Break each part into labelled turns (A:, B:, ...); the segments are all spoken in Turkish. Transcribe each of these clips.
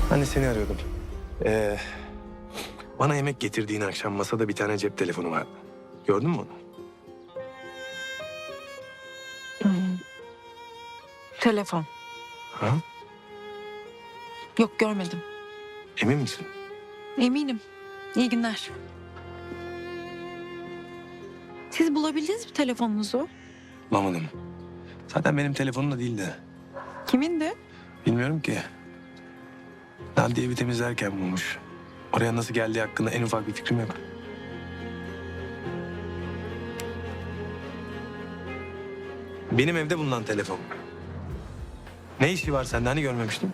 A: Ben de seni arıyordum. Ee, Bana yemek getirdiğin akşam masada bir tane cep telefonu vardı. Gördün mü onu?
B: Telefon.
A: Ha?
B: Yok, görmedim.
A: Emin misin?
B: Eminim. İyi günler. Siz bulabildiniz mi telefonunuzu?
A: Bulamadım. Zaten benim telefonum da değildi.
B: Kimindi?
A: Bilmiyorum ki. Nadiye evi temizlerken bulmuş. Oraya nasıl geldiği hakkında en ufak bir fikrim yok. Benim evde bulunan telefon. Ne işi var sende, hani görmemiştim?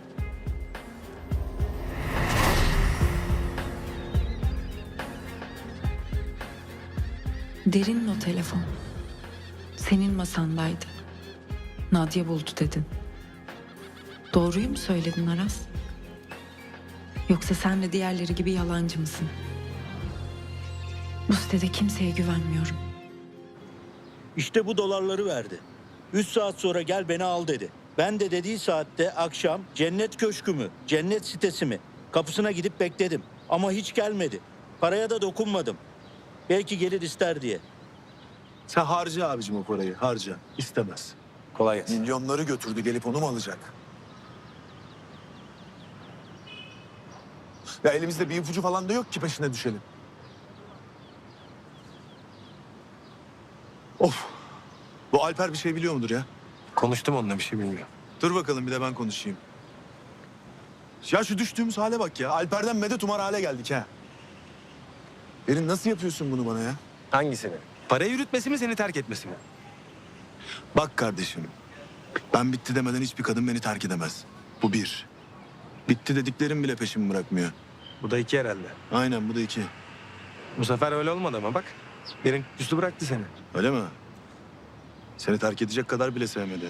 B: Derin'in o telefon. Senin masandaydı. Nadia buldu dedin. Doğruyu mu söyledin Aras? Yoksa sen de diğerleri gibi yalancı mısın? Bu sitede kimseye güvenmiyorum.
C: İşte bu dolarları verdi. 3 saat sonra gel beni al dedi. Ben de dediği saatte akşam cennet köşkü mü, cennet sitesi mi? Kapısına gidip bekledim. Ama hiç gelmedi. Paraya da dokunmadım. Belki gelir ister diye.
D: Sen harca abicim o parayı, harca. İstemez.
A: Kolay gelsin.
D: Milyonları götürdü, gelip onu mu alacak? Ya elimizde bir ipucu falan da yok ki peşine düşelim. Of! Bu Alper bir şey biliyor mudur ya?
A: Konuştum onunla, bir şey bilmiyorum.
D: Dur bakalım bir de ben konuşayım. Ya şu düştüğümüz hale bak ya. Alper'den medet umar hale geldik ha. Derin nasıl yapıyorsun bunu bana ya?
A: Hangisini? Parayı yürütmesi mi, seni terk etmesi mi?
D: Bak kardeşim. Ben bitti demeden hiçbir kadın beni terk edemez. Bu bir. Bitti dediklerim bile peşimi bırakmıyor.
A: Bu da iki herhalde.
D: Aynen bu da iki.
A: Bu sefer öyle olmadı ama bak. Derin üstü bıraktı seni.
D: Öyle mi? Seni terk edecek kadar bile sevmedi.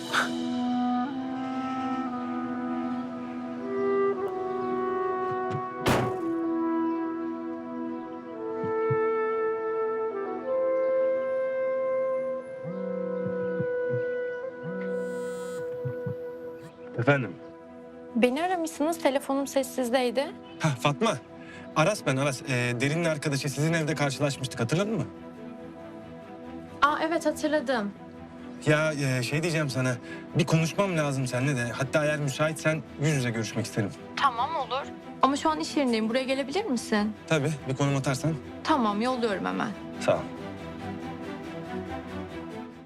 A: Efendim?
E: Beni aramışsınız, telefonum sessizdeydi.
F: Ha Fatma. Aras ben Aras. Derin'in arkadaşı, sizin evde karşılaşmıştık, hatırladın mı?
E: Aa evet, hatırladım.
F: Ya şey diyeceğim sana. Bir konuşmam lazım seninle de. Hatta eğer müsaitsen yüz yüze görüşmek isterim.
E: Tamam, olur. Ama şu an iş yerindeyim, buraya gelebilir misin?
F: Tabii, bir konum atarsan.
E: Tamam, yolluyorum hemen.
F: Sağ ol.